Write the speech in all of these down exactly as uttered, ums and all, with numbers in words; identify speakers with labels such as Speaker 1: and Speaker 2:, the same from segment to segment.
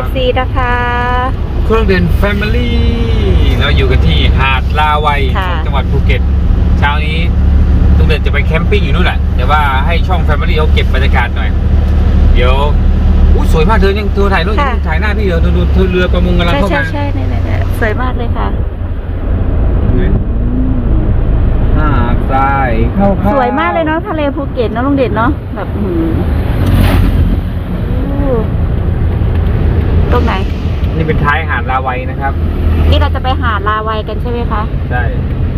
Speaker 1: ซีนะคะ
Speaker 2: เครื่องเด่นแฟมิลี่เราอยู่กันที่หาดลาวัยจังหวัดภูเก็ตเช้านี้ลุงเด่นจะไปแคมปิ้งอยู่นู่นแหละแต่ว่าให้ช่องแฟมิลี่เขาเก็บบรรยากาศหน่อยเดี๋ยวอู้สวยมากเธอยังเธอถ่ายรูปถ่ายหน้าพี่เดี๋ยวดูเธอเรือประมงกำลังเข้ามา
Speaker 1: ใช่ใช่ใช่เนี่ยสวยมากเลยค่ะ
Speaker 2: หาดทรายเข้าส
Speaker 1: วยมากเลยเนาะทะเลภูเก็ตเนาะลุงเด่นเนาะแบบหืมตรงไหน
Speaker 2: นี่เป็นท้ายหาดลาวัยนะครับ
Speaker 1: นี่เราจะไปหาดลาวัยกันใช่ไหมคะ
Speaker 2: ใช่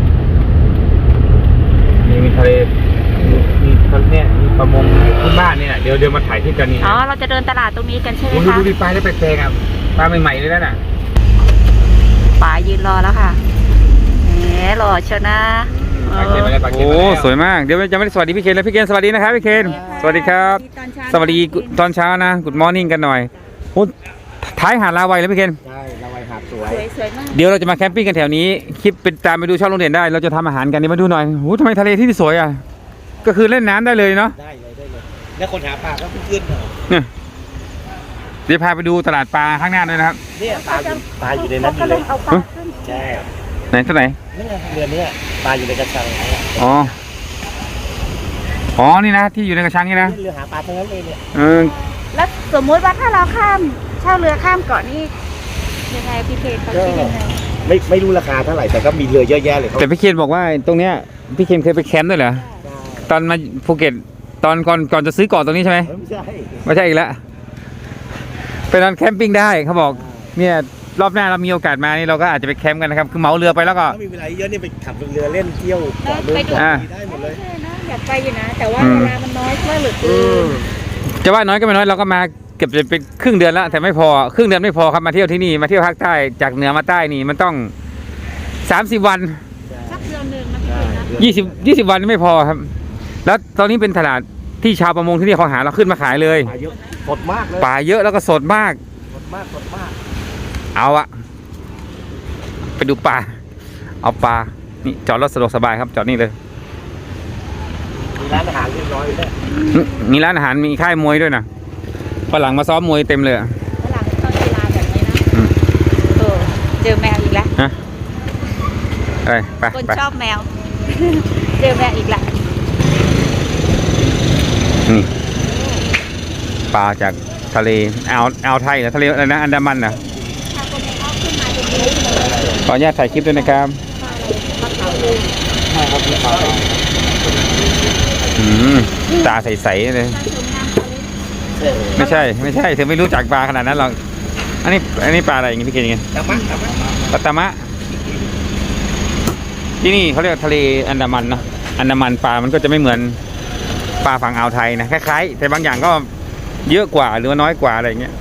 Speaker 2: นี่มีทะเลมีทะเลเนี่ยมีประมงพื้นบ้านเนี่ยเดี๋ยวเดี๋ยวมาถ่ายที่กันนี่
Speaker 1: อ๋อเราจะเดินตลาดตรงนี้กันใช่ไหมคะ
Speaker 2: ดูดิปลาได้แปลกๆอ่ะปลาใหม่ๆเลยนะ
Speaker 1: ปลายืนรอแล้วค่ะแหมรอเชียวนะ
Speaker 2: โอ้สวยมากเดี๋ยวจะไม่ได้สวัสดีพี่เคนแล้วพี่เคนสวัสดีนะครับพี่เคนสวัสดีครับสวัสดีตอนเช้านะกุดมอร์นิ่งกันหน่อยโอ้ท้ายหาดลาวัยแล้วพี่เคน
Speaker 3: ใช่ลาวัยหาดสวย
Speaker 1: สวยมาก
Speaker 2: เดี๋ยวเราจะมาแคมปิ้งกันแถวนี้คลิปเป็นตามไปดูช่องลุงเด่นได้เราจะทำอาหารกันนี่มาดูหน่อยโอ้ทำไมทะเลที่สวยอ่ะก็คือเล่นน้ำได้เลยเนาะ
Speaker 3: ได้เลยได้เลยแล้วคนหาปลาก็ขึ้น
Speaker 2: เนี่ยเดี๋ยวพาไปดูตลาดปลาข้างหน้าด้วยนะครับ
Speaker 3: เนี่ยปลาปลาอยู่ในนั้นเลยใช่
Speaker 2: ไหนเท่าไหร่
Speaker 3: นี่ไงเรือนี้ปลาอยู่ในกระชัง
Speaker 2: อ๋ออ๋อนี่นะที่อยู่ในกระชังนี่นะ
Speaker 3: เรือหาปลาทั้งนั้นเลยเนี่ย
Speaker 2: เออ
Speaker 1: แล้วสมมุติว่าถ้าเราข้ามเช่าเรือข้ามเกาะนี่ยังไงพี่เคนเขาคิดยังไง
Speaker 3: ไม่ไม่รู้ราคาเท่าไหร่แต่ก็มีเรือเยอะแยะเลย
Speaker 2: แต่พี่เคนบอกว่าตรงเนี้ยพี่เคนเคยไปแคมป์ด้วยเหรอตอนมาภูเก็ตตอนก่อนก่อนจะซื้อเกาะตรงนี้ใช่ไหม
Speaker 3: ไม่ใช่
Speaker 2: ไม่ใช่อีกแล้วไปนอนแคมปิ้งได้เขาบอกเนี่ยรอบหน้าเรามีโอกาสมานี่เราก็อาจจะไปแคมป์กันนะครับคือเหมาเรือไปแล้วก็
Speaker 3: มีเวลาเยอะนี่ไปขับเรือเล่นเที่ยว
Speaker 1: ไปดู
Speaker 3: ได้หมดเลย
Speaker 1: อยากไปอยู่นะแต่ว่าเวลามันน้อยมากเหลือเกิน
Speaker 2: จะว่าน้อยก็ไม่น้อยเราก็มาเก็บเป็นครึ่งเดือนแล้วแต่ไม่พอครึ่งเดือนไม่พอครับมาเที่ยวที่นี่มาเที่ยวภาคใต้จากเหนือมาใต้นี่มันต้องสามสิบวัน
Speaker 1: สักเดือนหนึ่งนะ
Speaker 2: ยี่สิบยี่สิบวันไม่พอครับแล้วตอนนี้เป็นตลาดที่ชาวประมงที่นี่เขาหาเราขึ้นมาขายเลย
Speaker 3: ปลาเยอะสดมากเลย
Speaker 2: ปลาเยอะแล้วก็สดมาก
Speaker 3: สดมากสดมาก
Speaker 2: เอาอะไปดูปลาเอาปลานี่จอดรถสะดวกสบายครับจอดนี่เลย
Speaker 3: มีร้านอาหารเรียบร้อยเลย
Speaker 2: มีร้านอาหารมีค่ายมวยด้วยนะฝรั่งมาซ้อมมวยเต็มเลยฝรั่ง
Speaker 1: ชอบกีฬาแบบนี้นะเออเจอแมวอีกแล้ว
Speaker 2: ฮะไปไป
Speaker 1: คนชอบแมวเจอแมวอีกแล้ว
Speaker 2: นี่ปลาจากทะเลอ่าวอ่าวไทยหรือทะเลอะไรนะอันดามันนะขออนุญาตถ่ายคลิปด้วยนะครับอืมตาใสๆเลยไม่ใช่ไม่ใช่เธอไม่รู้จักปลาขนาดนั้นหรอกอันนี้อันนี้ปลาอะไรอย่างงี้พี่เกณฑ์ยังไง
Speaker 3: ตะมะตะมะ
Speaker 2: ปลาตะมะที่นี่เขาเรียกทะเลอันดามันเนาะอันดามันปลามันก็จะไม่เหมือนปลาฝั่งอ่าวไทยนะคล้ายๆแต่บางอย่างก็เยอะกว่าหรือน้อยกว่าอะไรอย่างเงี้ย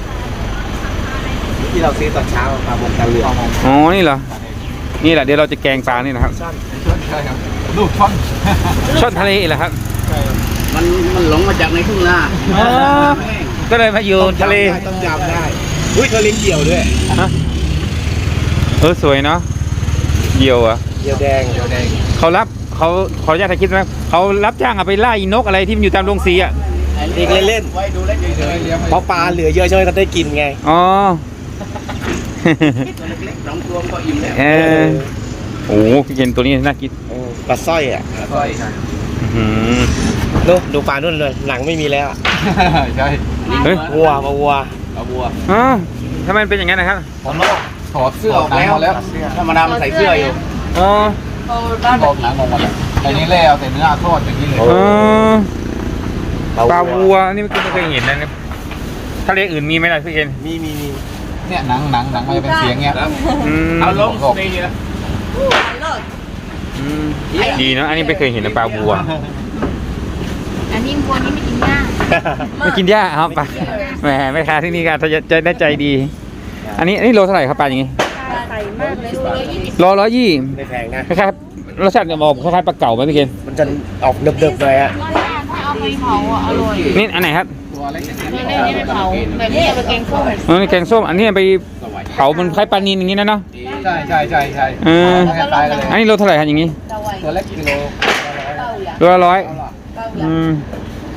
Speaker 3: ที่เราซื้อตอนเช้าปลาบงกะเรือ
Speaker 2: อ๋อนี่เหรอนี่แหละเดี๋ยวเราจะแกงปลานี่นะครับ
Speaker 3: ช่อนใช่ครับลูกช่อน
Speaker 2: ช่อนทะเลเหรอครับ
Speaker 3: ใช่ครับมันมันหลงมาจากในทุ่งนา
Speaker 2: ก็เลยมาอยู่ทะเล
Speaker 3: ต้องจำได้อุ้ยทะเลเกี่ยวด้วย
Speaker 2: เออสวยเนาะเกี่ยวอ่ะ
Speaker 3: เกี่ยวแดงเกี่ยวแดง
Speaker 2: เขารับเขาขออนุญาตถ่ายคลิปไหมเขารับจ้างเอาไปล่านกอะไรที่มันอยู่ตามโรงสีอ่ะ
Speaker 3: เด็กเล่นๆไว้ดูเล่นเฉยๆเพราะปลาเหลือเยอะใช่ไหมก็ได้กินไง
Speaker 2: อ๋อ
Speaker 3: ตัวเล็กๆน้องตัวก็อิ่มแล้ว
Speaker 2: เออโอ้พี่เย็นตัวนี้น่ากิน
Speaker 3: ปลาสร้อยอ่ะปลาสร้อยดูดูปลานู่นเลยหนังไม่มีแล้ว
Speaker 2: ใช่
Speaker 3: วัวปลาวัว
Speaker 2: ปลาวัวอ๋อทำไมเป็นอย่างนั้นนะครับ
Speaker 3: ผมลอกถอดเสื้อออกแล้วธรรมดามันใส่เสื้ออยู่
Speaker 2: อ๋อ
Speaker 3: บอกหนังออกมาแล้วไอ้นี่แล้วแต่เนื้อทอดอย่างนี้เลย
Speaker 2: ปลาวัวนี่ไม่เคยเห็นนะทะเลอื่นมีไหมล่ะพี่เอ็น
Speaker 3: มีมีมีเนี่ยหนังหนังหนังมันจะเป็นเสียงเงี้ย
Speaker 2: เอาลงดีนะดีเนาะอันนี้ไม่เคยเห็นปลาวัว
Speaker 1: อันนี้วัวนี่ไม่กินหญ้า
Speaker 2: ไม่กินหญ้าครับปลาแหมแม่ค้าที่นี่ก็จะได้ใจดีอันนี้อันนี้โลเท่าไหร่ครับปลาอย่างงี้
Speaker 1: ใส่มากเลย
Speaker 2: โลร้อยยี่
Speaker 3: ไม่แพงนะ
Speaker 2: คล้ายๆรสชาติจะบอกคล้ายๆปลาเก๋าไหมพี่เกณฑ์
Speaker 3: มันจะออกเดิบๆเลยอ่ะ
Speaker 1: เอาไปเผาอ่ะอร่อย
Speaker 2: นี่อันไหนครับ
Speaker 1: นี่นี่ไปเผาแบบนี้ไปแกงส้ม
Speaker 2: อ๋อนี่แกงส้มอันนี้ไปเผามันคล้ายปลานิลอย่างนี้นะเนาะ
Speaker 3: ใช่ใช่ใช่ใช่
Speaker 2: เอออันนี้โลเท่าไหร่ครับอย่างนี้
Speaker 3: ตัวเล็กกิโล
Speaker 2: โลละร้อยอืม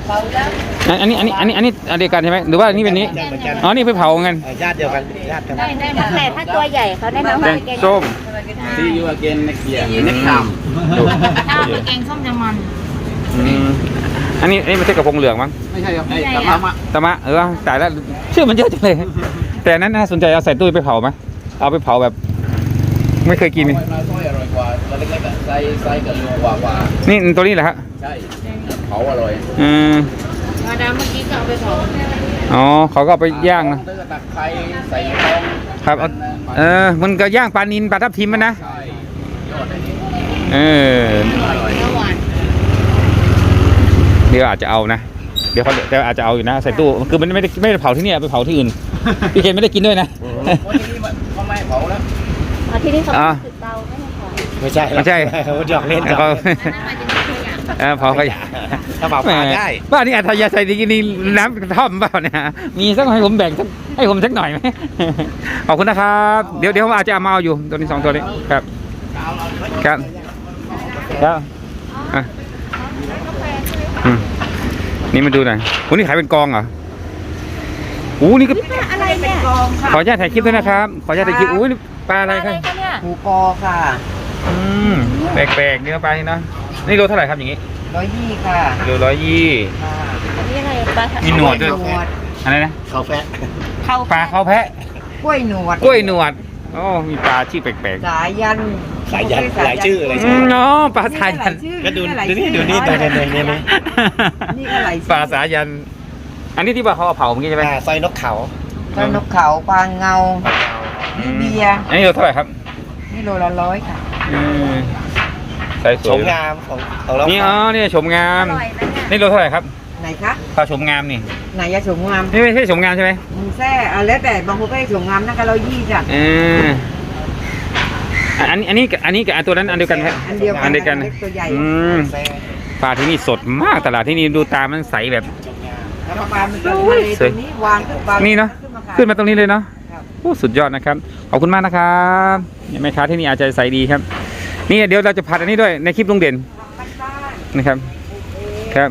Speaker 2: อันอันนี้อันนี้อันนี้อันนี้อันเดียวกันใช่ไหมหรือว่าอันนี้เป็นนี้
Speaker 3: เหมือนกัน
Speaker 2: อ๋อนี่ไปเผากัน
Speaker 3: เออญาติเดียวกันญาติกัน
Speaker 1: แต่ถ้าตัวใหญ่เขาแนะนำ
Speaker 2: แก
Speaker 1: ว่าง แกง
Speaker 2: ส้ม
Speaker 3: See you again next year next time
Speaker 2: ดู
Speaker 4: ถ้าเป็นแกงส้มจะมัน
Speaker 2: อืมอันนี้อันนี้ไม่ใช่กระพงเหลืองมั้ง
Speaker 3: ไม่ใช่ครับไอ้ตะมะมะ
Speaker 2: ตะมะเออตายแล้วชื่อมันเยอะจังเลย แต่อันนั้นน่าสนใจเอาใส่ตู้ไปเผาไหมเอาไปเผาแบบ ไม่เคยกิน
Speaker 3: ปลาสร้อยอร่อยกว่าตัวเล็กๆอะไซส์ไซส์กับลูกกว่ากว่า
Speaker 2: นี่ตัวนี้แหละฮะ
Speaker 3: ใช่เผาอร่อย
Speaker 2: อืม
Speaker 4: มาดามเมื่อกี้ก็เอาไปเผา
Speaker 2: อ๋อเขาก็เอาไปย่างนะ
Speaker 3: เตอร์ตักไข่ใส่ทอง
Speaker 2: ครับเอาเออมันก็ย่างปลานินปลาทับทิมมันนะ
Speaker 3: ใช่ยอดเลยนี่
Speaker 2: เออ
Speaker 3: อร่อย
Speaker 4: เนื้อหวาน
Speaker 2: เดี๋ยวอาจจะเอานะเดี๋ยวเขาแต่อาจจะเอาอยู่นะใส่ตู้คือมันไม่ได้ไม่ได้เผาที่นี่ไปเผาที่อื่นพี่เคนไม่ได้กินด้วยนะ
Speaker 3: วันนี้มันเขาไม่ให้เผาแล้ว
Speaker 1: อ๋อที่นี่เขา
Speaker 2: อ่า
Speaker 1: ติดเตาไม่ให้ของ
Speaker 3: ไม่ใช่
Speaker 2: ไม่ใช่
Speaker 3: เขาหยอกเล่นหยอก
Speaker 2: เขา
Speaker 3: เล่น
Speaker 4: อันนั้นมันจะมีตัวอย่าง
Speaker 2: เออเผาขยะ
Speaker 3: ถ้าเผาปลาได้
Speaker 2: บ้านนี้อัธยาศัยดีนี่น้ำกระท่อมเปล่าเนี่ยมีสักให้ผมแบ่งสักให้ผมสักหน่อยไหม ขอบคุณนะครับเดี๋ยวเดี๋ยวผมอาจจะเอามาเอาอยู่ตัวนี้สองตัวนี้ครับครับครับอ่ะอืมนี่มาดูหน่อยโอ้นี่ขายเป็นกองเหรอโอ้นี่ก็
Speaker 1: อะไรเนี่ย
Speaker 2: ขออนุญาตถ่ายคลิปด้วยนะครับขออนุญาตถ่ายคลิปโอ้ยนี่ปลาอะไร
Speaker 1: อะไร
Speaker 2: ครับ
Speaker 1: คะเนี่ย
Speaker 3: หมูกอค่ะ
Speaker 2: อืมแปลกๆเนื้อปลานี่เนาะนี่โลเท่าไหร่ครับอย่างงี้
Speaker 3: ร้อยยี่ค่ะ
Speaker 2: โลร้อยยี่
Speaker 3: ค่ะ
Speaker 1: อันนี้อะไรปลา
Speaker 2: มีหนวดด้วย
Speaker 3: หนวด
Speaker 2: อะไรนะ
Speaker 3: เขาแฟะ
Speaker 1: เขา
Speaker 2: ปลาเขาแพะ
Speaker 3: กล้วยหนวด
Speaker 2: กล้วยหนวดโอ้มีปลาชื่อแปลกๆ
Speaker 3: สายยันสายยันหลายชื่ออะไร
Speaker 2: อืมเนาะปลาสายัน
Speaker 3: ก็ดูดูนี่ดูนี่ดูนี่ดูนี่นี่ นี่ก็หลายชื่อ
Speaker 2: ปลาสายัน อันนี้ที่ว่าเขาเอาเผาเมื่อกี้ใช่ไหม
Speaker 3: อ่าซอยนกเขา
Speaker 5: ปลานกเขาปลาเงา
Speaker 2: อืม
Speaker 5: เบียร์
Speaker 2: อันนี้โลเท่าไหร่ครับ
Speaker 5: นี่โลละร้อยค่ะ
Speaker 2: อืมใส่ส
Speaker 3: ช
Speaker 2: วย
Speaker 3: มงามของของเรา
Speaker 2: นี่อ๋อนี่ชมงาม
Speaker 1: อร่อยนะเนี่ย
Speaker 2: นี่โลเท่าไหร่ครับ
Speaker 5: ไหนคะ
Speaker 2: ปลาชมงามนี่
Speaker 5: ไหนยาฉงงาม
Speaker 2: นี่ไม่ใช่ชมงามใช่ไหม
Speaker 5: อืมแซ่อ่ะแล้วแต่บางคนก็ให้ฉงงามนั่นก็เรายี่จ้ะ
Speaker 2: เอออันนี้อันนี้กับอันนี้กับอันตัวนั้นอันเดียวกันไหม
Speaker 5: อันเดียวกัน
Speaker 2: อันเดียวกัน
Speaker 5: เล็กตัวใหญ่
Speaker 2: อืม
Speaker 3: แซ่
Speaker 2: ปลาที่นี่สดมากตลาดที่นี่ดูตามันใสแบบ
Speaker 5: แล้วปลามันก็ทะเลตรงนี้วางขึ้นปลา
Speaker 2: นี่เนาะ
Speaker 5: ขึ้นมาขาย
Speaker 2: ขึ้นมาตรงนี้เลยเนาะ
Speaker 5: ครับ
Speaker 2: โอ้สุดยอดนะครับ ขอบคุณมากนะครับแม่ค้าที่นี่อาจจะใส่ดีครับ นี่เดี๋ยวเราจะผัดอันนี้ด้วยในคลิปลุงเด่นนะครับ ครับ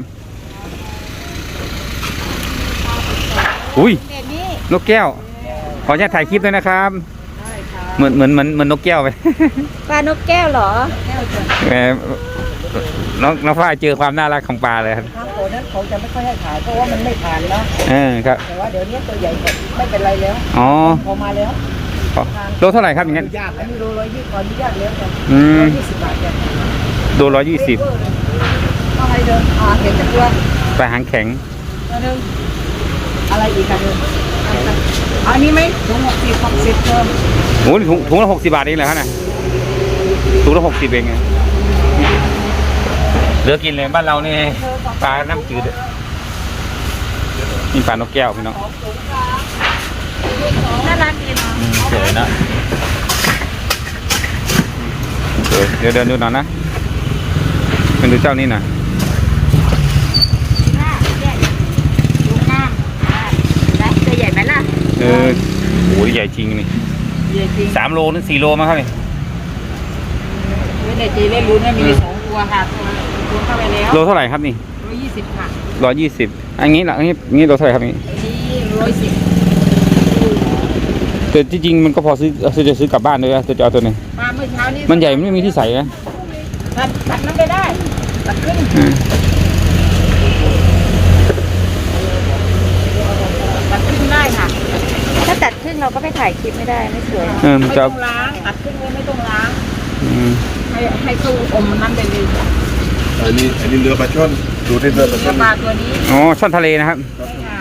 Speaker 2: อุ้ย
Speaker 1: เด็ดนี่
Speaker 2: นกแก้ว ขออนุญาตถ่ายคลิปด้วยนะครับ เหมือนเหมือนเหมือนเหมือนนกแก้วไป
Speaker 1: ปลานกแก้วเหรอ
Speaker 2: แหมน้องน้องฝ้ายเจอความน่ารักของปลาเลยครับ
Speaker 5: ทางโขนั้นเขาจะไม่ค่อยให้ขายเพราะว่ามันไม่ผ่านแล้ว
Speaker 2: เออครับ
Speaker 5: แต่ว่าเดี๋ยวนี้ตัวใหญ่ก็ไม่เป็นไรแล้ว
Speaker 2: อ๋อ
Speaker 5: พอมาแล้ว
Speaker 2: ขอโลเท่าไหร่ครับอย่างนั้น
Speaker 3: ญาติ
Speaker 5: อันนี้โลร้อยยี่ขออนุญาตแล้วจ้ะ
Speaker 2: อืม
Speaker 5: ร้อยยี่สิบบาทจ้ะ
Speaker 2: โลร้อยยี่สิบ
Speaker 5: อะไรเดินอ่าเห็นจักตัว
Speaker 2: ปลาหางแข็ง
Speaker 5: ตัวหนึงอะไรอีกกันเดินอันนี้ไหมถุงหกสิบหกสิบเพิ่ม
Speaker 2: โอ้โหถุงถุงละหกสิบบาทเองเหรอครับน่ะถุงละหกสิบเองไงเหลือกินเลยบ้านเรานี่ปลาน้ำจืดอะนี่ปลานกแก้วพี่น้อง
Speaker 1: น่ารักดีเนาะ
Speaker 2: อืมสวยนะสวยเดี๋ยวเดินดูหน่อยนะเป็นดูเจ้านี่หน่อย
Speaker 1: น่าเนี่ยดูหน้าอ่าได้ตัวใหญ่ไหมล่ะ
Speaker 2: เออโอ้ยใหญ่จริงนี่
Speaker 5: ใหญ่จริง
Speaker 2: สามโลนึงสี่โลมั้งครับนี่
Speaker 5: ไม่ได้ตีเล่นลุ้นนะมีสองตัวค่ะตัวตัวเข้าไปแล้ว
Speaker 2: โลเท่าไหร่ครับนี่
Speaker 5: ร้อยยี่สิบค่ะ
Speaker 2: ร้อยยี่สิบอันนี้ละอันนี้อันนี้โลเท่าไหร่ครับนี่
Speaker 5: อันนี้ร้อยสิบ
Speaker 2: แต่ที่จริงมันก็พอซื้อซื้อจะซื้อกลับบ้านด้วยนะจะเอาตัวนี้
Speaker 5: ปลาเมื่อเช้านี้
Speaker 2: มันใหญ่มันไม่มีที่ใส่นะ
Speaker 5: ตัดตัดนั้นไปได้ตัดขึ้น
Speaker 2: อืม
Speaker 5: ตัดขึ้นได้ค่ะ
Speaker 1: ถ้าตัดครึ่งเราก็ไปถ่ายคลิปไม่ได้ไม่สวย
Speaker 2: เออมัน
Speaker 5: ไม่
Speaker 2: จะ
Speaker 5: ต้องล้างตัดขึ้นไว้ไม่ต้องล้าง
Speaker 2: อืม
Speaker 5: ให้ให้ตู้อมนั้นไปเลย
Speaker 6: อันนี้อันนี้เรือปลาช่อนดูที่เรือปลาช่
Speaker 5: เนื้
Speaker 6: อ
Speaker 5: อน ปลาตัวนี้
Speaker 2: อ๋อช่อนทะเลนะครับ
Speaker 5: ใช่ค่ะ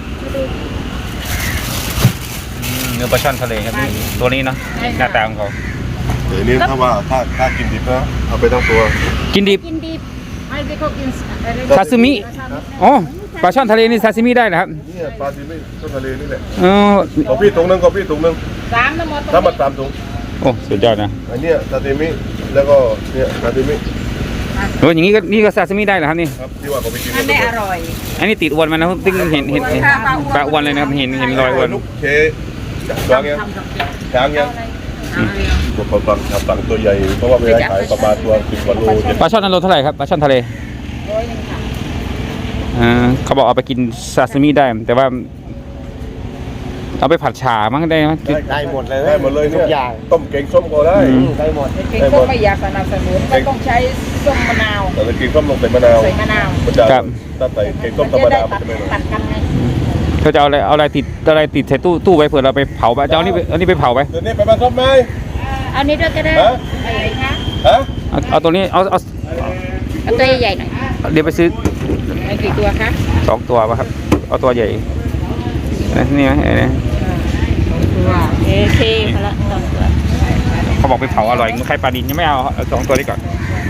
Speaker 2: เนื้อปลาช่อนทะเลครับนี่ตัวนี้เนาะหน้าตาของเขา
Speaker 6: เดี๋ยวนี้ถ้าว่าถ้าถ้ากินดิบนะเอาไปทั้งตัว
Speaker 2: กินดิบ
Speaker 1: กินดิบ
Speaker 5: ไม่ได้เขากินอะไร
Speaker 2: ซาซิมิอ๋อปลาช่อนทะเลนี่ซาซิมิได้เหรอครับ
Speaker 6: เนี่ยปลาซิมิช่อนทะเลนี่แหละ
Speaker 2: อ๋อ
Speaker 6: ของพี่ถุงหนึงของพี่ถุงหนึง
Speaker 5: สามทั้งหมด
Speaker 6: ถ้ามาตามถุง
Speaker 2: โอ้สุดยอดนะ
Speaker 6: อันเนี้ยซาซิมิแล้วก็เนี่ยซาซิมิ
Speaker 2: โอ้อย่างนี้ก็นี่ก็ซาซิมิได้เหรอครับนี่
Speaker 6: ครับที่ว่าเขาไปกิน
Speaker 5: อันนี้อร่อย
Speaker 2: อันนี้ติดอวนมันนะครับตึ้งเห็นเห็นเห็นปลาอวนเลยนะครับเห็นเห็นรอยอวน
Speaker 6: ลูกเคช้างยัง
Speaker 5: ทำกับแกง
Speaker 6: ช้างยัง
Speaker 5: เอาเร็ว
Speaker 6: ตัวปลาปังครับปังตัวใหญ่เพราะว่าเวลาขายประมาณตัวสิบกว่าโลเจ็ด
Speaker 2: ปลาช่อนอันโลเท่าไหร่ครับปลาช่อนทะเล
Speaker 5: ร้อยหนึงค่ะ
Speaker 2: ออ่าเขาบอกเอาไปกินซาซิมิได้ แต่ว่า เอาไปผัดฉ่ามั้งได้ไหม
Speaker 3: ได้หมดเลย
Speaker 6: ได้หมดเลย
Speaker 3: ทุ
Speaker 6: เนี่ย
Speaker 3: กอย่าง
Speaker 6: ต้มแกงส้มก็ได้
Speaker 2: อืม
Speaker 3: ได้หมด
Speaker 5: เก่งก็ไม่อยากสนับสนุนก็ต้องใช้ส้มมะนาว
Speaker 6: แต่ถ้ากินส้มลงใส่มะนาว
Speaker 5: ใส่มะนาว
Speaker 6: มันจะ
Speaker 2: ครับ
Speaker 6: ถ้าใส่แกงส้
Speaker 5: มั
Speaker 6: ม
Speaker 5: น
Speaker 6: ธรรม
Speaker 5: จะได้
Speaker 6: ดามัน
Speaker 5: ตัด
Speaker 6: จะไม่อร่อย
Speaker 5: ตัดกันไง
Speaker 2: เขาจะเอาอะไรเอาอะไรติดเอาอะไรติดใส่ตู้ตู้ไว้เผื่อเราไปเผาไปจะเอานี่ไปเอานี่ไปเผาไป
Speaker 6: เดี๋ยวนี้ไปบ้านส้มไหม
Speaker 1: เอานี้ด้วยก็ได้
Speaker 6: ฮะ
Speaker 1: อะไรคะ
Speaker 6: ฮะ
Speaker 2: เอาเอาตัวนี้เอาเอา
Speaker 1: เอาตัวใหญ่ๆหน่อย
Speaker 2: เดี๋ยวไปซื้อ
Speaker 5: ไอ้กี่ตัวคะ
Speaker 2: สองตัวป่ะครับ เอาตัวใหญ่นี่ไหมเห็นไหม
Speaker 5: ตัว
Speaker 1: โอเคพอละสองตัว
Speaker 2: เขาบอกไปเผาอร่อยใครปลาดินยังไม่เอาเอาสองตัวนี้ก่อน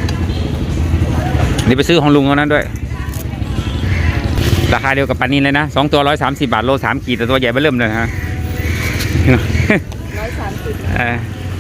Speaker 2: นี่ไปซื้อของลุงเขานั้นด้วย ราคาเดียวกับปลานินเลยนะสองตัวร้อยสามสิบบาทโลสามขีดแต่ตัวใหญ่ไปเริ่มเลยฮะ
Speaker 1: ร้อยสามสิบ
Speaker 2: เออ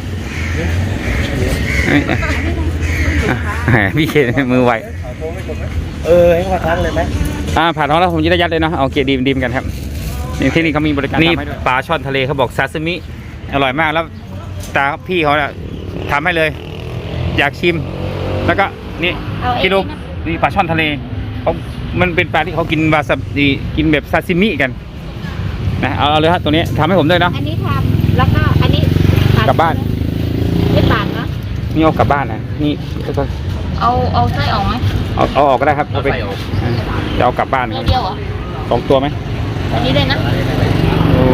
Speaker 2: เอ้ยเอ้ยพี่เคนมือไว
Speaker 3: เออให้มาทั้งเลยไหม
Speaker 2: อ่าผ่านท้องแล้วผมจะได้ยัดเลยเนาะเอาเกียร์ดีมดีมกันครับนี่ที่นี่เขามีบริการนี่ปลาช่อนทะเลเขาบอกซาซิมิอร่อยมากแล้วตาพี่เขาเนี่ยทำให้เลย อยากชิม แล้วก็นี่
Speaker 1: เอาไอ้
Speaker 2: กิโล
Speaker 1: นี่นะ
Speaker 2: นี่ปลาช่อนทะเลเขามันเป็นปลาที่เขากินวาซาบิกินแบบซาซิมิกันนะเอาเอาเลยฮะตัวนี้ทำให้ผมด้วยเนาะ
Speaker 1: อันนี้ทำแล้วก็อันนี้ปด
Speaker 2: กลับบ้าน
Speaker 1: ไม่ปาดเนาะ
Speaker 2: นี่เอากลับบ้านนะนี่
Speaker 4: เอาเอาไส้ออกไหม
Speaker 2: เอาเอาออกก็ได้ครับเอาไปจะเอากลับบ้านค
Speaker 4: เดี
Speaker 2: รั
Speaker 4: ยว
Speaker 2: บ
Speaker 4: เดียวเหรอ
Speaker 2: สองตัวไหม
Speaker 4: อันนี้เลยนะ
Speaker 2: โอ้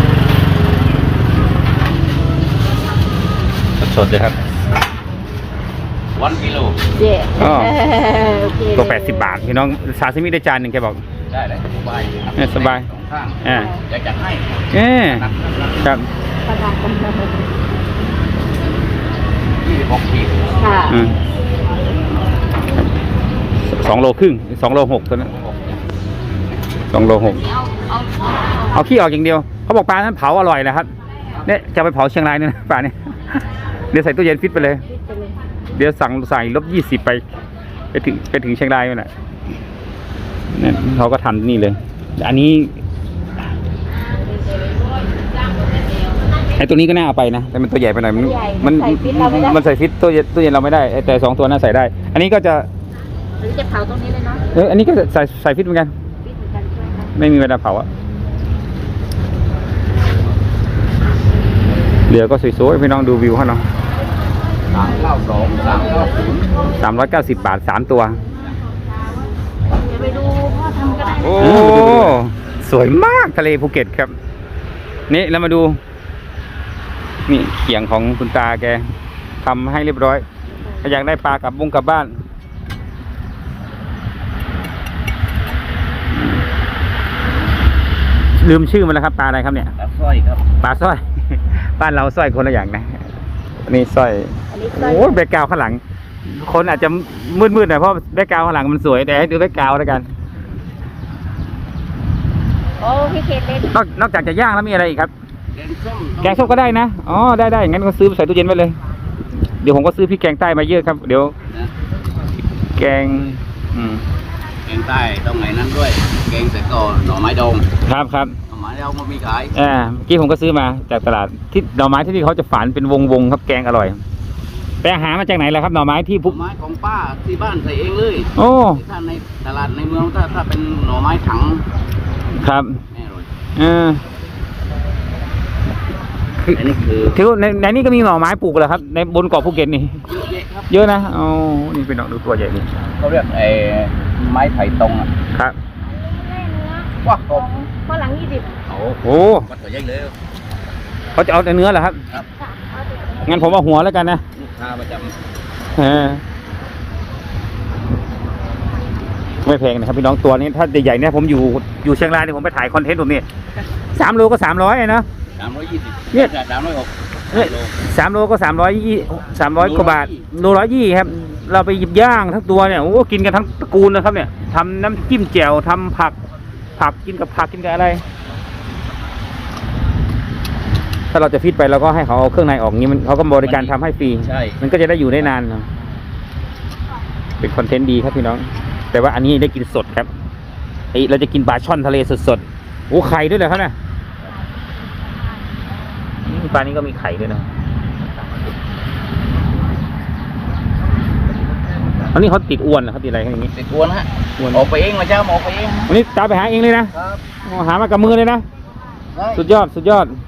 Speaker 2: สดๆเลยครับ
Speaker 7: วันกิโล
Speaker 1: เย่
Speaker 2: อ๋อ
Speaker 1: โอเค
Speaker 2: ตัวแปดสิบบาทพี่น้องซาซิมิได้จานหนึ่งแกบอก
Speaker 7: ได้เลยสบายครับ
Speaker 2: เออสบาย
Speaker 7: สองข้าง
Speaker 2: อ่า
Speaker 7: อยากจัดให้
Speaker 2: เออครับ
Speaker 1: ประมาณกันเลย
Speaker 7: ยี่สิบหกขีด
Speaker 1: ค่ะ
Speaker 2: อืมสองโลครึ่งสองโลหกตัวนั้นสองโลหก
Speaker 4: เอาเอาเอา
Speaker 2: เอาขี้ออกอย่างเดียวเขาบอกปลานั้นเผาอร่อยนะครับเนี่ยจะไปเผาเชียงรายเนี่ยนะปลาเนี่ยเดี๋ยวใส่ตู้เย็นฟิตไปเลย เดี๋ยวสั่งใส่ลบยี่สิบไปไปถึงไปถึงเชียงรายนั่นแหละเนี่ยเขาก็ทำนี่เลย อันนี้ไอ้ตัวนี้ก็น่าเอาไปนะแต่มันตัวใหญ่ไปหน่อยมันมันมันใส่ฟิตตู้เย็นตู้เย็นเราไม่ได้แต่สองตัวนั้นใส่ได้ อันนี้ก็จะ
Speaker 1: หรือจะเผาตรงนี้เลยเนาะ
Speaker 2: เอออันนี้ก็ใส่ใส่ฟิตเหมือนกัน
Speaker 1: ฟิตเหมือนกันใช่ไหมคะ
Speaker 2: ไม่มีเวลาเผาอะเรือก็สวยๆพี่น้องดูวิวเขาเนาะ
Speaker 7: สามเก้าสองสามเก้าศูนย์
Speaker 2: สามร้อยเก้าสิบบาทสามตัว
Speaker 1: เดี๋ยวไปดูพ่อทำก็ได้
Speaker 2: โอ้ สวยมากทะเลภูเก็ตครับ นี่แล้วมาดู นี่เขียงของคุณตาแกทำให้เรียบร้อยถ้าอยากได้ปลากลับบุ้งกลับบ้าน ลืมชื่อมันแล้วครับปลาอะไรครับเนี่ย
Speaker 7: ครับสร้อยครับ
Speaker 2: ปลาสร้อย บ้านเราสร้อยคนละอย่างนะนี่สร้อย
Speaker 1: อันนี้ก็
Speaker 2: โอ้ยแบ็คกราวด์ข้างหลัง คนอาจจะมืดๆหน่อยเพราะแบ็คกราวด์ข้างหลังมันสวยแต่ให้ดูแบ็คกราวด์แล้วกัน
Speaker 1: โอ้พี่เคเล่น
Speaker 2: นอกนอกจากจะย่างแล้วมีอะไรอีกครับ
Speaker 7: แกงส้ม
Speaker 2: แกงส้มก็ได้นะ อ๋อ ได้ได้งั้นก็ซื้อใส่ตู้เย็นไว้เลย เดี๋ยวผมก็ซื้อพริกแกงใต้มาเยอะครับ เดี๋ยว
Speaker 7: นะ
Speaker 2: แกง อืม
Speaker 7: แกงใต้ตรงไหนนั้นด้วย แกงใส่ก่อนหน่อไม้ดอง
Speaker 2: ครับครับ
Speaker 7: หน่อไม้ดองมันมีขาย
Speaker 2: อ่าเมื่อกี้ผมก็ซื้อมาจากตลาดที่หน่อไม้ที่นี่เขาจะฝานเป็นวงวงๆครับแกงอร่อยไปหามาจากไหนล่ะครับหน่อไม้ที่
Speaker 7: หน่
Speaker 2: พุ
Speaker 7: อไม้ของป้าที่บ้านใส่เองเลย
Speaker 2: โอ้
Speaker 7: ถ้าในตลาดในเมืองถ้าถ้าเป็นหน่อไม้ถัง
Speaker 2: ครับ
Speaker 7: แน่เลย
Speaker 2: เออคือ
Speaker 7: อันนี้คือ
Speaker 2: ถือว่าในในนี้ก็มีหน่อไม้ปลูกเหรอครับ ในบนเกาะภูเก็ตนี่
Speaker 7: เยอะแยะครับ
Speaker 2: เยอะนะอ๋อนี่เป็นหน่อดูตัวใหญ่นี่
Speaker 7: เขาเรียกไอ้ไม้ไผ่ตรงอ่ะ
Speaker 2: ครับ
Speaker 7: ว้ากบ
Speaker 1: ข้อหลังยี่สิบ
Speaker 7: โอ้
Speaker 2: โอ้
Speaker 7: วัดตัวใหญ่เลย
Speaker 2: เขาจะเอาแต่เนื้อเหรอครับ
Speaker 7: ครับ
Speaker 2: งั้นผมเอาหัวแล้วกันนะ
Speaker 7: ลูกค้าประจ
Speaker 2: เออไม่แพงนะครับพี่น้องตัวนี้ถ้าใหญ่ๆเนี่ยผมอยู่อยู่เชียงรายเนี่ยผมไปถ่ายคอนเทนต์ผมนี่สามโลก็สามร้อยนะ
Speaker 7: ำสามร้อยยี่สิบ
Speaker 2: เนี่ย
Speaker 7: สามร้อยหก
Speaker 2: เนี่ยสามโลก็สามร้อยยี่สามร้อยกว่าบาทโลร้อยยี่ครับ เราไปหยิบย่างทั้งตัวเนี่ยโอ้กินกันทั้งตระกูลนะครับเนี่ยทำน้ำจิ้มแจ่วทำผักผักกินกับผักกินกับอะไร ถ้าเราจะฟิตไปเราก็ให้เขาเอาเครื่องในออกงี้มันเขาก็บริการทำให้ฟรี
Speaker 7: ใช่
Speaker 2: มันก็จะได้อยู่ได้นานเนาะเป็นคอนเทนต์ดีครับพี่น้อง แต่ว่าอันนี้ได้กินสดครับไอเราจะกินปลาช่อนทะเลสดๆโอ้ไข่ด้วยเหรอครับเนี่ยอืมปลานี้ก็มีไข่ด้วยนะอันนี้เขาติดอวนเหรอเขาติดอะไรกันอย่างงี้
Speaker 7: ติดอวนฮะ
Speaker 2: อวน
Speaker 7: ออกไปเองมาเจ้าออกไปเอง
Speaker 2: วันนี้ตาไปหาเองเลยนะครับ อ๋อหามากับมือเลยนะ
Speaker 7: ได้
Speaker 2: สุดยอดสุดยอด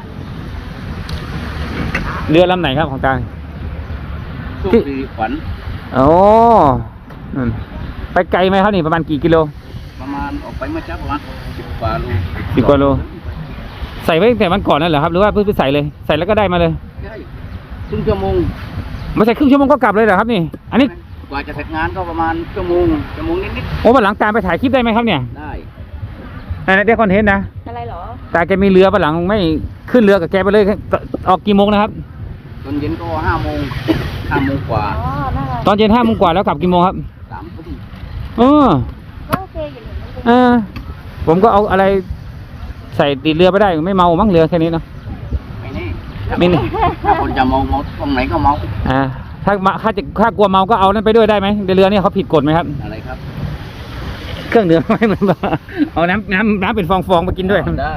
Speaker 2: เรือลำไหนครับของตา
Speaker 7: สุขสิริขวัญ
Speaker 2: โอ้นั่นไปไกลไหมครับนี่ประมาณกี่กิโล
Speaker 7: ประมาณออกไปเมื่อเช้าประมาณสิบกว่าโล
Speaker 2: สิบกว่าโล ใส่ไว้ตั้งแต่วันก่อนนั่นเหรอครับหรือว่าเพิ่งไปใส่เลยใส่แล้วก็ได้มาเลย
Speaker 7: ได้ครึ่งชั่วโมง
Speaker 2: ไม่ใช่ครึ่งชั่วโมงก็กลับเลยเหรอครับนี่ อันนี้
Speaker 7: กว่าจะเสร็จงานก็ประมาณชั่วโมงชั่วโมงนิด
Speaker 2: โอ้วันหลังตามไปถ่ายคลิปได้ไหมครับเนี่ย
Speaker 7: ๆได้
Speaker 2: นั่นนะได้คอนเทนต์นะ
Speaker 1: อะไรเหรอ
Speaker 2: ตาแกมีเรือวันหลังไม่ขึ้นเรือกับแกไปเลยออกกี่โมงนะครับ
Speaker 7: ตอนเย็นก็ห้าโมงห้าโมงกว่า
Speaker 1: อ๋อน่ารัก
Speaker 2: ตอนเย็นห้าโมงกว่าแล้วกลับกี่โมงครับ
Speaker 7: สามทุ่ม
Speaker 2: เออ
Speaker 1: ก็โอเคอยู่หนึ่ง
Speaker 2: เออผมก็เอาอะไรใส่ติดเรือไปได้ไม่เมามั้งเรือแค่นี้เนาะ
Speaker 7: ไม่แน่
Speaker 2: ไม่แน่
Speaker 7: ถ้าคนจะเมาเมาตรงไหนก็เมา
Speaker 2: อ่าถ้ามาถ้าจะถ้ากลัวเมาก็เอานั่นไปด้วยได้ไหมในเรือเนี่ยเขาผิดกฎไหมครับ
Speaker 7: อะไรครับ
Speaker 2: เครื่องดื่มไม่เหมือนแบบเอาน้ำน้ำน้ำเป็นฟองๆมากินด้วย
Speaker 7: ได้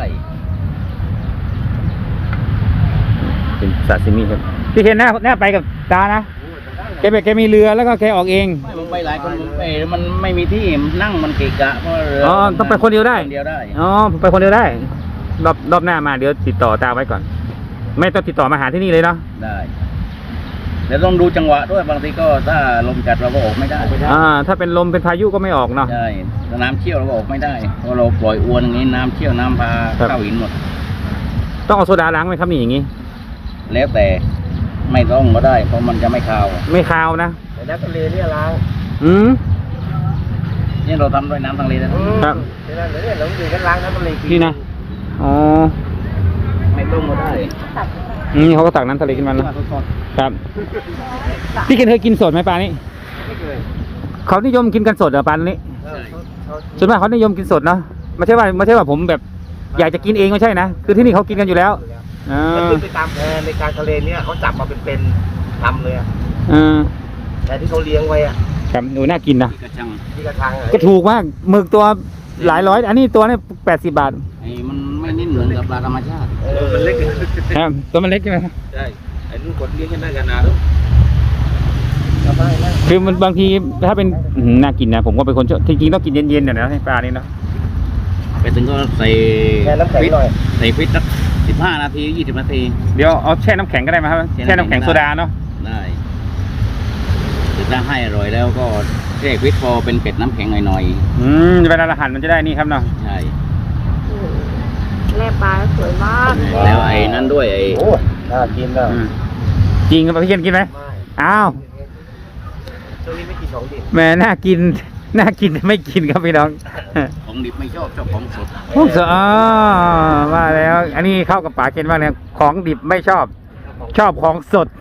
Speaker 2: เป็นซาซิมิครับพี่เคนหน้าหน้าไปกับตานะแกแบบแกมีเรือแล้วก็แกออกเอง
Speaker 7: ไม่มึงไปหลายคนมึงไปมันไม่มีที่นั่งมันเกะกะเพราะเรือ
Speaker 2: อ๋อต้องไปคนเดียวได้
Speaker 7: คนเดียวได้
Speaker 2: อ๋อไปคนเดียวได้รอบรอบหน้ามาเดี๋ยวติดต่อตาไว้ก่อน ไม่ต้องติดต่อมาหาที่นี่เลยเนาะ
Speaker 7: ได้แล้วต้องดูจังหวะด้วยบางทีก็ถ้าลมจัดเราก็ออกไม่ได้
Speaker 2: อ่าถ้าเป็นลมเป็นพายุก็ไม่ออกเนาะ
Speaker 7: ใช่ถ้าน้ำเชี่ยวเราก็ออกไม่ได้เพราะเราปล่อยอวนอย่างนี้น้ำเชี่ยวน้ำพา
Speaker 2: ครับ
Speaker 7: เข้าหินหมด
Speaker 2: ต้องเอาโซดาล้างไหมครับนี่อย่างงี้
Speaker 7: แล้วแต่ไม่ต้องก็ได้ เพราะมันจะไม่คาว
Speaker 2: ไม่คาวนะ
Speaker 3: แต่น้ำทะเลเนี่ยล้าง
Speaker 2: อืม
Speaker 7: นี่เราทำด้วยน้ำทะเลนะครับ
Speaker 3: เดี๋ยวนั้นเดี๋ยวเนี่ยเราอยู่กันล้างน้ำทะเลกิ
Speaker 2: นี่นะอ๋อ
Speaker 7: ไม่ต้องก็ได้
Speaker 2: อืมเขาก็ตักน้ำทะเลขึ้นมาแล้วครับพี่เคนเคยกินสดไหมปลานี้
Speaker 3: ไม่เคย
Speaker 2: เขานิยมกินกันสดเหรอปลานี้
Speaker 3: เออเขาเขา
Speaker 2: ส่วนมากเขานิยมกินสดเนาะไม่ใช่ว่าไม่ใช่ว่าผมแบบ อยากจะกินเองไม่ใช่นะคือที่นี่เขากินกันอยู่แล้วอ่
Speaker 3: มัน
Speaker 2: า
Speaker 3: ขึ้นไปตามแพในการทะเลเนี่ยเขาจับมาเป็นเป็นลำเลยอะ
Speaker 2: อ่า
Speaker 3: แต่ที่เขาเลี้ยงไว้อะ
Speaker 2: ครับดูน่ากินนะ
Speaker 7: ที่กระชัง
Speaker 3: ที่กระชังอะ
Speaker 2: ก็ถูกมากหมึกตัวหลายร้อย อันนี้ตัวนี้แปดสิบบาท
Speaker 7: ไอ้มันไม่นิ่มเหมือนกับปลาธรรมชาติ
Speaker 3: เออมันเล็ก
Speaker 2: ครับตัวมันเล็กใช่ไหมครับ
Speaker 3: ใช่ไอ้นู่นคนเลี้ยงกันได้กันนานแล้วก็ได้นะ
Speaker 2: คือมันบางทีถ้าเป็นอื้อหือน่ากินนะผมก็เป็นคนชอบจริงๆต้องกินเย็นๆเนี่ยนะให้ปลานี่เนาะ
Speaker 7: ไปถึงก็ใส่
Speaker 3: แค่น้ำแข็ง
Speaker 7: ฟิต
Speaker 3: หน่อย
Speaker 7: ใส่ฟิตสักสิบห้านาทียี่สิบนาที
Speaker 2: เดี๋ยวเอาแช่น้ำแข็งก็ได้ไหมครับ
Speaker 7: แช่
Speaker 2: แช่
Speaker 7: น้ำ
Speaker 2: น้ำ
Speaker 7: แข็
Speaker 2: แข็
Speaker 7: ง
Speaker 2: งโซดาเนาะ
Speaker 7: ได้ถึงถ้าให้อร่อยแล้วก็แช่ฟิตพอเป็นเป็ดน้ำแข็งหน่อย
Speaker 2: อืมเวลาเราหั่นมันจะได้นี่ครับเนาะ
Speaker 7: ๆใช่
Speaker 1: แล่ปลาสวยมาก
Speaker 7: แล้วไอ้นั้นด้วยไอ้
Speaker 3: โอ้น่ากินอ่ะ
Speaker 2: อืมจริงครับพี่เคนกินไหม
Speaker 3: ไม่
Speaker 2: อ้าว
Speaker 3: ช่วงนี้ไม่กินของดิบ
Speaker 2: แหม่น่ากิน น่ากินแต่ไม่กินครับพี่น้อง
Speaker 7: ของดิบไม่ชอบชอบของสด
Speaker 2: พวกเสืออ๋อมาแล้ว อันนี้เข้ากับป๋าเกณฑ์มากเลยของดิบไม่ชอบ ชอบของสด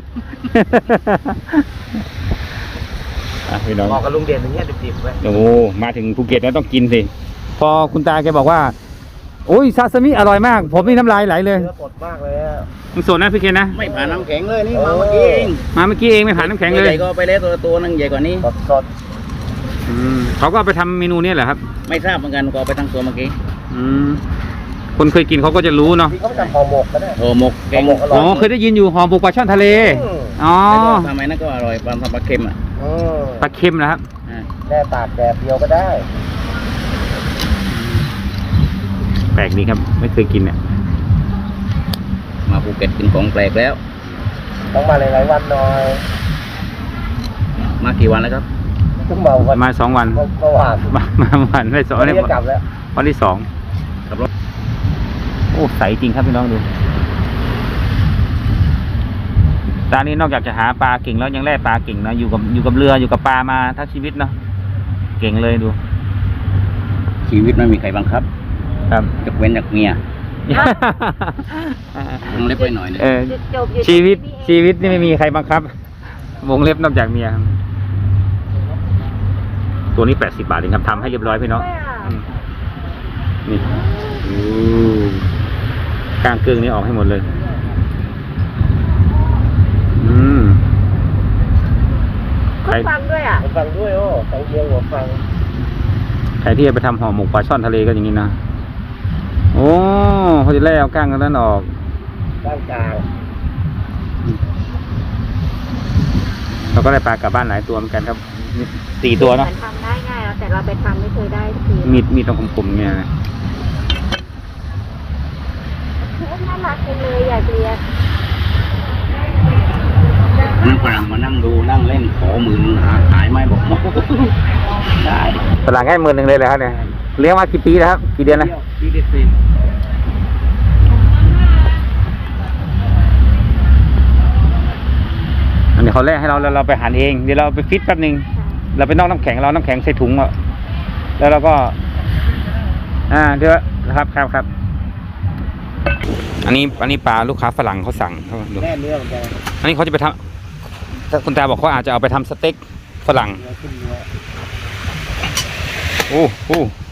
Speaker 2: อ่ะพี่น้อง
Speaker 3: เหมาะกับลุงเด่นอย่างเงี้ยดิบๆไว้
Speaker 2: โอ้โหมาถึงภูเก็ตแล้วต้องกินสิ พอคุณตาแกบอกว่า โอ้ยซาซิมิอร่อยมาก ผมนี่น้ำลายไหลเลย
Speaker 3: เนื้อสดมากเลยอะ
Speaker 2: มันสดนะพี่เคนนะ
Speaker 7: ไม่ผ่านน้ำแข็งเลยนี่มาเมื่อกี้เอง
Speaker 2: มาเมื่อกี้เองไม่ผ่านน้ำแข็งเล
Speaker 7: ให
Speaker 2: ย
Speaker 7: ญ่ก็ไปแล้วตัวตัวนึงใหญ่กว่านี้
Speaker 3: สดสด
Speaker 2: อืมเขาก็เอาไปทำเมนูเนี้เหรอครับ
Speaker 7: ไม่ทราบเหมือนกันก็เอาไปทั้งตัวเมื่อกี้
Speaker 2: อืมคนเคยกินเขาก็จะรู้เนาะ
Speaker 3: ที่เขาไปทำห่อหมกก็ได้
Speaker 7: โอหมกแกง
Speaker 3: ห่อหมกอร่
Speaker 2: อ๋อเคยได้ยินอยู่ห่อบุกปลาช่อนทะเล
Speaker 3: อืม
Speaker 2: อ๋อ
Speaker 7: แล้วก็ทำไมนั่นก็อร่อยปลาทำปลาเค็มอ่ะ
Speaker 3: อืม
Speaker 2: ปลาเค็มนะครับ
Speaker 7: อ่า
Speaker 3: แค่ตากแดดเดียวก็ได้
Speaker 2: แปลกดีครับ ไม่เคยกินเนี่ย
Speaker 7: มาภูเก็ตกินของแปลกแล้ว
Speaker 3: ต้องมาหลายๆวันหน่อย
Speaker 7: มากี่วันแล้วครับ
Speaker 3: ต้องเบา
Speaker 2: ป
Speaker 3: วัน
Speaker 2: ระมาณสองวัน
Speaker 3: เมื่อวาน
Speaker 2: มามาวันไม่สอง
Speaker 3: วัน
Speaker 2: เนี่
Speaker 3: นี้
Speaker 2: ย
Speaker 3: จะกลับแล้ว
Speaker 2: วันที่สอง
Speaker 7: ขับรถ
Speaker 2: โอ้ใสจริงครับพี่น้องดูตานี้นอกจากจะหาปลาเก่งแล้วยังแล่ปลาเก่งนะอยู่กับอยู่กับเรืออยู่กับปลามาทั้งชีวิตเนาะเก่งเลยดู
Speaker 7: ชีวิตไม่มีใครบังคับ
Speaker 2: ครับ
Speaker 7: ยกเว้นจากเมียต้องเล็บไปหน่อยหนึง
Speaker 2: เออ
Speaker 1: จุดจบอยู่
Speaker 2: ชีวิต
Speaker 1: ที่นี่เอง
Speaker 2: ชีวิตนี่ไม่มีใครบังคับ วงเล็บนอกจากเมียครับตัวนี้แปดสิบบาทเองครับทำให้เรียบร้อยพี่น้อง
Speaker 1: ด้วยอ่ะ
Speaker 2: อืมนี่อู้กลางเกลืองนี้ออกให้หมดเลย อืม
Speaker 1: ค
Speaker 2: ใคร
Speaker 1: นฟังด้วยอ่ะ
Speaker 3: ผมฟังด้วยโอ้ฟังเดียวหัวฟัง
Speaker 2: ใครที่จะไปทำห่อหมกปลาช่อนทะเลก็อย่างนี้นะ โอ้เขาจะแล่เอาก้างกันนั้นออก
Speaker 3: ด้านกลาง
Speaker 2: อเราก็ได้ปลากลับบ้านหลายตัวเหมือนกันครับสี่ตัวเนาะ
Speaker 1: มันทำได้ง่ายแล้วแต่เราไปทำไม่เคยได้สักที
Speaker 2: มีดมีดตรงคมๆเนี่ยนะ
Speaker 1: น่ารักจังเลยอยากเรียน
Speaker 7: นั่งฝรั่งมานั่งดูนั่งเล่นขอหมื่นหาขายไม่บอก ได้
Speaker 2: ฝรั่งให้หมื่นหนึ่งเลยเลยครับเนี่ยเลี้ยงมากี่ปีแล้วครับกี่เดือนแล้ว
Speaker 7: ปีเด็ดสิ
Speaker 2: อันนี้เขาแลกให้เราแล้วเราไปหั่นเองเดี๋ยวเราไปฟิตแป๊บนึงเราไปนอกน้ำแข็งเราน้ำแข็งใส่ถุงอ่ะแล้วเราก็ อ่าเดี๋ยวครับครับครับอันนี้อันนี้ปลาลูกค้าฝรั่งเขาสั่งเขาดู
Speaker 3: แน่เนื้อเหมือนกัน
Speaker 2: อันนี้เขาจะไปทำคุณตาบอกเขาอาจจะเอาไปทำสเต็กฝรั่ง
Speaker 3: เนื้อขึ้นเนื้อ
Speaker 2: โอ้โห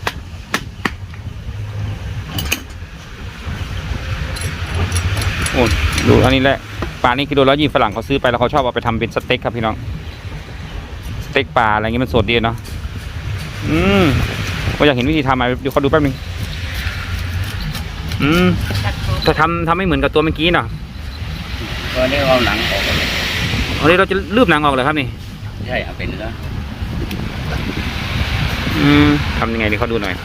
Speaker 2: โอ้ดูอันนี้แหละปลานี่กิโลละยี่ฝรั่งเขาซื้อไปแล้วเขาชอบเอาไปทำเป็นสเต็กครับพี่น้องสเต็กปลาอะไรเงี้ยมันสดดีเนาะอืมก็อยากเห็นวิธีทำมาเดี๋ยวเขาดูแป๊บนึงอืมจะทำทำไม่เหมือนกับตัวเมื่อกี้เนาะ
Speaker 7: ตอนนี้เราหนังออกเลย
Speaker 2: อันนี้เราจะลืบหนังออกเลยครับนี่
Speaker 7: ใช่เอาเป็นเนื้อ
Speaker 2: อืมทำยังไงดีเขาดูหน่อย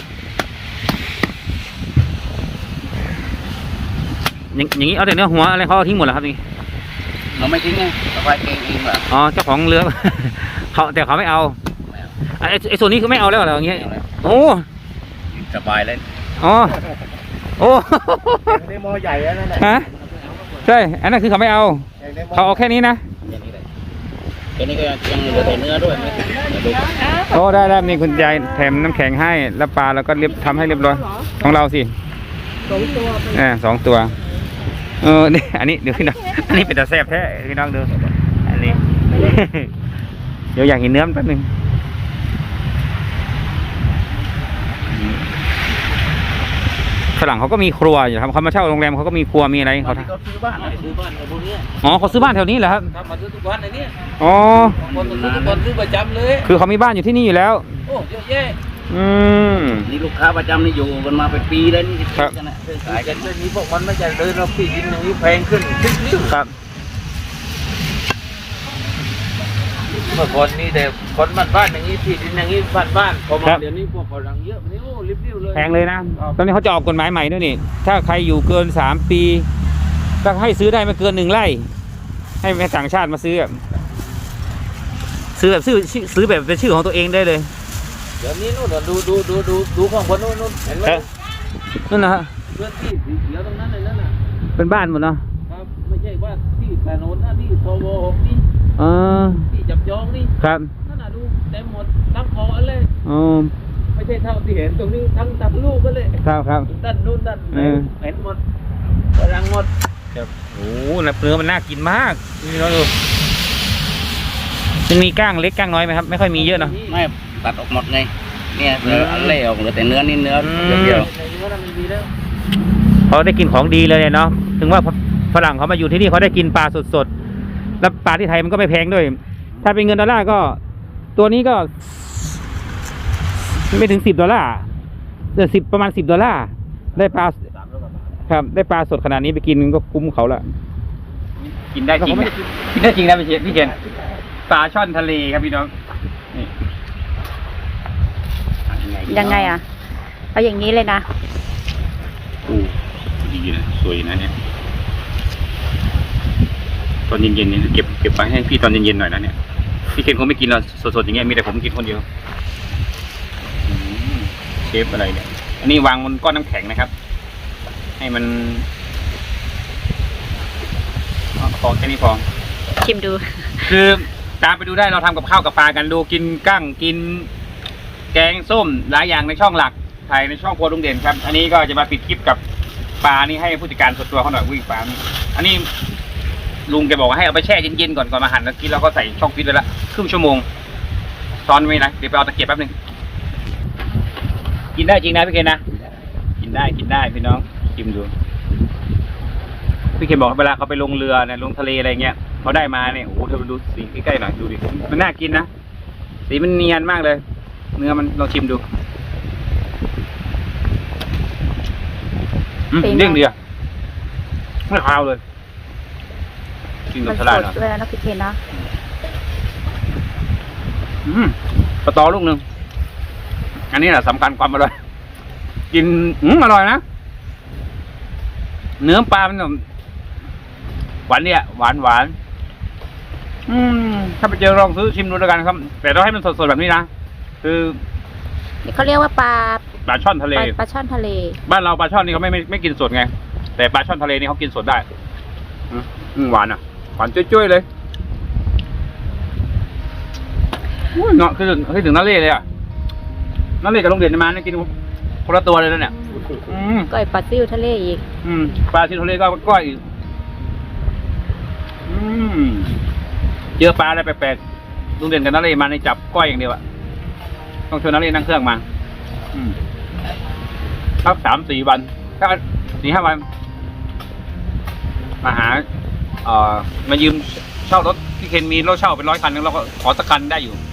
Speaker 2: อย่างอย่างนี้เอาแต่เนื้อหัวอะไรเขาเอาทิ้งหมดแล้วครับนี่
Speaker 7: เราไม่ทิ้งไงเราไปเองเองเหรอ
Speaker 2: อ๋อเจ้าของเรือ เขาแต่เขาไม่เอาไอ้ไอ้ส่วนนี้คือไม่เอาแล้วเหรออย่างเงี้ยโอ้
Speaker 7: สบายเลย
Speaker 2: อ๋อโอ้
Speaker 3: ในหม้อใหญ่แล้วนั่นแหละ
Speaker 2: ฮะใช่อันนั้นคือเขาไม่เอา
Speaker 3: ในหม้อ
Speaker 2: เขาเอาแค่นี้นะ
Speaker 7: แค่นี้เลยแค่นี้ก็ยังเหลือแต่เนื้อด้วยไม่เดี๋ยวดู
Speaker 2: โอ้ได้ได้มีคุณยายแถมน้ำแข็งให้แล้วปลาแล้วก็เรียบทำให้เรียบร้อยของเราสิ
Speaker 5: สองตัวไป
Speaker 2: อ่าสองตัวเออนี่อันนี้เดี๋ยวพี่น้องอันนี้เป็นตาแซ่บแท้พี่น้องดูอันนี้ เดี๋ยวอยากเห็นเนื้อมันแป๊บนึงฝรั่งเขาก็มีครัวอยู่ครับเขามาเช่าโรงแรมเขาก็มีครัวมีอะไรเขา
Speaker 7: เขาซื้อบ้านซื้อบ้านกับพวกนี้
Speaker 2: อ๋อเขาซื้อบ้านแถวนี้เหรอครับ
Speaker 3: ทำมาซื้อทุกวันเลยเนี่ย
Speaker 2: อ๋อ
Speaker 3: คนซื้อทุกคนซื้อประจำเลย
Speaker 2: คือเขามีบ้านอยู่ที่นี่อยู่แล้ว
Speaker 3: โอ้เยอะแยะ
Speaker 2: อืม
Speaker 7: นี่ลูกค้าประจำนี่อยู่กันมาเป็นปีแล้วนี่
Speaker 2: ครับ
Speaker 7: กันนะซื้อ
Speaker 3: ขา
Speaker 7: ขาย ย
Speaker 3: กั
Speaker 7: กัน น
Speaker 3: เรื่องนี้พวกมันไม่จะเดินเราที่ดินอย่างนี้แพงขึ้นทุกนิ้ว
Speaker 2: ครับ
Speaker 3: เมื่อก่อนนี่แต่คนบ้านบ้านอย่างนี้ที่ดินอย่างนี้บ้านบ้านพอมาเดี๋ยวนี้พวกฝรั่งเยอะนี่โอ้ริบริ้วเลย
Speaker 2: แพงเลยนะตอนนี้เขาจะออกกฎหมายใหม่ด้วยนี่ถ้าใครอยู่เกินสามปีก็ให้ซื้อได้ไม่เกินหนึ่งไร่ให้แม่ต่างชาติมาซื้ออะซื้อแบบซื้อชื่อซื้อแบบเป็นชื่อของตัวเองได้เลย
Speaker 3: เดี๋ยวนี้นู่นน่ะดูดูดูดูดูข้างบนนู่นนู่นเห็นไหม
Speaker 2: เอ๊ะนั่นนะฮะ
Speaker 3: เพื่อนที่สีเขียวตรงนั้นเลยนั่นน่ะ
Speaker 2: เป็นบ้านหมดเนาะ
Speaker 3: ครับไม่ใช่ว่าที่ถนนนะที่โซโวหกนี่
Speaker 2: เออ
Speaker 3: ที่จับจองนี่
Speaker 2: ครับ
Speaker 3: นั่นน่ะดูเต็มหมดทั้งคอเลย
Speaker 2: อ๋อ
Speaker 3: ไม่ใช่เท่าที่เห็นตรงนี้ทั้งทั้งลูกก็เลย
Speaker 2: ครับครับ
Speaker 3: ด้านนู้นด้าน
Speaker 2: เออ
Speaker 3: เห็นหมดฝรั่งหมด
Speaker 2: โอ้โหเนื้อมันน่ากินมากนี่เราดูยังมีก้างเล็กก้างน้อยไหมครับไม่ค่อยมีเยอะเนาะ
Speaker 7: ไม่ตัดออกหมดไงเนี่ยเหลืออันเล่ออกเหลือแต่เนื้อนี่เนื้อ
Speaker 2: อืม
Speaker 7: เดียว
Speaker 3: ในนี้ว่ามันมีแล้ว
Speaker 2: เขาได้กินของดีเลยเนี่ยเนาะถึงว่าฝรั่งเขามาอยู่ที่นี่เขาได้กินปลาสดๆแล้วปลาที่ไทยมันก็ไม่แพงด้วย ถ้าเป็นเงินดอลลาร์ก็ตัวนี้ก็ไม่ถึงสิบดอลลาร์เดือนสิบประมาณสิบดอลลาร์ได้ปลาครับได้ปลาสดขนาดนี้ไปกินก็คุ้มเขาละกินได้จริงนะกินได้จริงนะพี่เชนพี่เชนปลาช่อนทะเลครับพี่น้องนี่
Speaker 7: ๆ
Speaker 1: ยังไงอ่ะเอาอย่างนี้เลยนะ
Speaker 2: อู้ดีนะสวยนะเนี่ยตอนเย็นๆเนี่ยเก็บเก็บไปให้พี่ตอนเย็นๆหน่อยนะเนี่ยพี่เคนคงไม่กินหรอกสดๆอย่างเงี้ยมีแต่ผมกินคนเดียวอืมเชฟอะไรเนี่ยอันนี้วางบนก้อนน้ำแข็งนะครับ ให้มันอ๋อพอแค่นี้พอ
Speaker 1: ชิมดู
Speaker 2: คือตามไปดูได้เราทำกับข้าวกับปลากันดูกินกั้งกิน แกงส้มหลายอย่างในช่องหลักถ่ายในช่องครัวลุงเด่นครับ อันนี้ก็จะมาปิดคลิปกับปลานี่ให้ผู้จัดการส่วนตัวเขาหน่อยวิ่งปลานี่อันนี้ลุงแกบอกว่าให้เอาไปแช่เย็นๆก่อนก่อนมาหั่นแล้วกินเราก็ใส่ช่องฟิตไว้ละครึ่งชั่วโมงซ้อนไว้นะเดี๋ยวไปเอาตะเกียบแป๊บนึงกินได้จริงนะพี่เคนนะกินได้กินได้พี่น้องชิมดูพี่เคนบอกว่าเวลาเขาไปลงเรือเนี่ยลงทะเลอะไรเงี้ยเขาได้มาเนี่ยโอ้โหเธอดูสีใกล้ๆหน่อยดูดิมันน่ากินนะสีมันเนียนมากเลยเนื้อมันลองชิมดูอืม
Speaker 1: เป็นไง
Speaker 2: เด้งดีอ่ะไม่คาวเลยกินกั
Speaker 1: มั
Speaker 2: บ
Speaker 1: น
Speaker 2: ส
Speaker 1: ส
Speaker 2: ลัด
Speaker 1: ด
Speaker 2: เหรอ
Speaker 1: เลยนะพี่เคนนะ
Speaker 2: อืมสตอลูกหนึ่งอันนี้แหละสำคัญความอร่อยกินอืมอร่อยนะเนื้อปลามันหวานเนี่ยหวานหวานอืมถ้าไปเจอลองซื้อชิมดูแล้วกันครับ แต่ต้องให้มันสดๆแบบนี้นะคือ
Speaker 1: เขาเรียกว่าปลา
Speaker 2: ปลาช่อนทะเล
Speaker 1: ปลาปลาช่อนทะเล
Speaker 2: บ้านเราปลาช่อนนี่เขาไม่ไม่ไม่กินสดไง แต่ปลาช่อนทะเลนี่เขากินสดได้อืมอืมหวานอ่ะหวานจ้อยๆเลยอุ้ยเนาะคือถึงคือถึงน้าเล่เลยอ่ะน้าเล่กับลุงเด่นมาเนี่ยกินคนละตัวเลยนะเนี่ยอืม
Speaker 1: ก้อยปลาซิวทะเลอีก
Speaker 2: อืมปลาที่ทะเลก็ก้อยอีกอืมเจอปลาอะไรแปลกๆลุงเด่นกับน้าเล่มาในจับก้อยอย่างเดียวอะต้องชวนน้าเล่นั่งเครื่องมา อืมสักสามสี่วันถ้าสี่ห้าวันมาหาเอ่อมายืมเช่ารถพี่เคนมีรถเช่าเป็นร้อยคันนึงเราก็ขอสักคันได้อยู่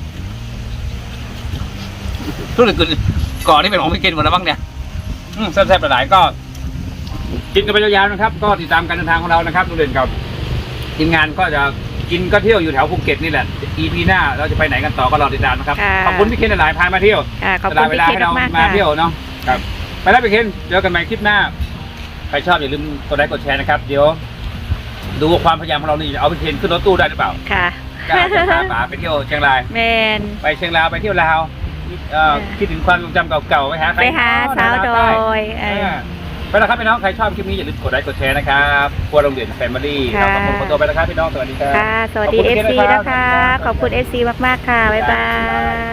Speaker 2: ทุกอย่างก่อนนี่เป็นของพี่เคนหมดแล้วบ้างเนี่ยอืมแซ่บๆหลายๆก็กินกันไปยาวๆนะครับ ก็ติดตามการเดินทางของเรานะครับลุงเด่นกับทีมงานก็จะกินก็เที่ยวอยู่แถวภูเก็ตนี่แหละ อี พี หน้าเราจะไปไหนกันต่อก็รอติดตามนะครับ
Speaker 1: ค่ะ
Speaker 2: ขอบคุณพี่เคนหลายๆพามาเที่ยว
Speaker 1: ค่ะขอบ
Speaker 2: ส
Speaker 1: คุ
Speaker 2: ละ
Speaker 1: ณ
Speaker 2: เว
Speaker 1: พี่
Speaker 2: ลา
Speaker 1: เคน
Speaker 2: ให้เรา
Speaker 1: มากๆ
Speaker 2: มา
Speaker 1: ค่ะ
Speaker 2: เที่ยวเนาะครับไปแล้วพี่เคนเจอกันใหม่คลิปหน้าใครชอบอย่าลืมกดไลค์กดแชร์นะครับเดี๋ยวดูความพยายามของเรานี่เอาพี่เคนขึ้นรถตู้ได้หรือเปล่า
Speaker 1: ค่ะ
Speaker 2: กล้าจะพาป๋าไปเที่ยวเชียงราย
Speaker 1: แมน
Speaker 2: ไปเชียงรายไปเที่ยวลาวเอ่อคิดถึงความทรงจำเก่าๆไปหาใคร
Speaker 1: ไปหาสาวดอย
Speaker 2: เอ
Speaker 1: เออ
Speaker 2: อไปแล้วครับพี่น้องใครชอบคลิปนี้อย่าลืมกดไลค์กดแชร์นะครับครัวโรงเรียนแฟมิลี่
Speaker 1: ค่ะ
Speaker 2: เราต้องขอตัวไปแล้วครับพี่น้องสวัสดีครับ
Speaker 1: ค่ะ สวัสดี
Speaker 2: ขอบ
Speaker 1: เอ
Speaker 2: คุณ
Speaker 1: ฟ
Speaker 2: พี่
Speaker 1: ซี
Speaker 2: เคนนะ
Speaker 1: นะคะ ขอบคุณเอฟซีมากๆค่ะ บ๊ายบาย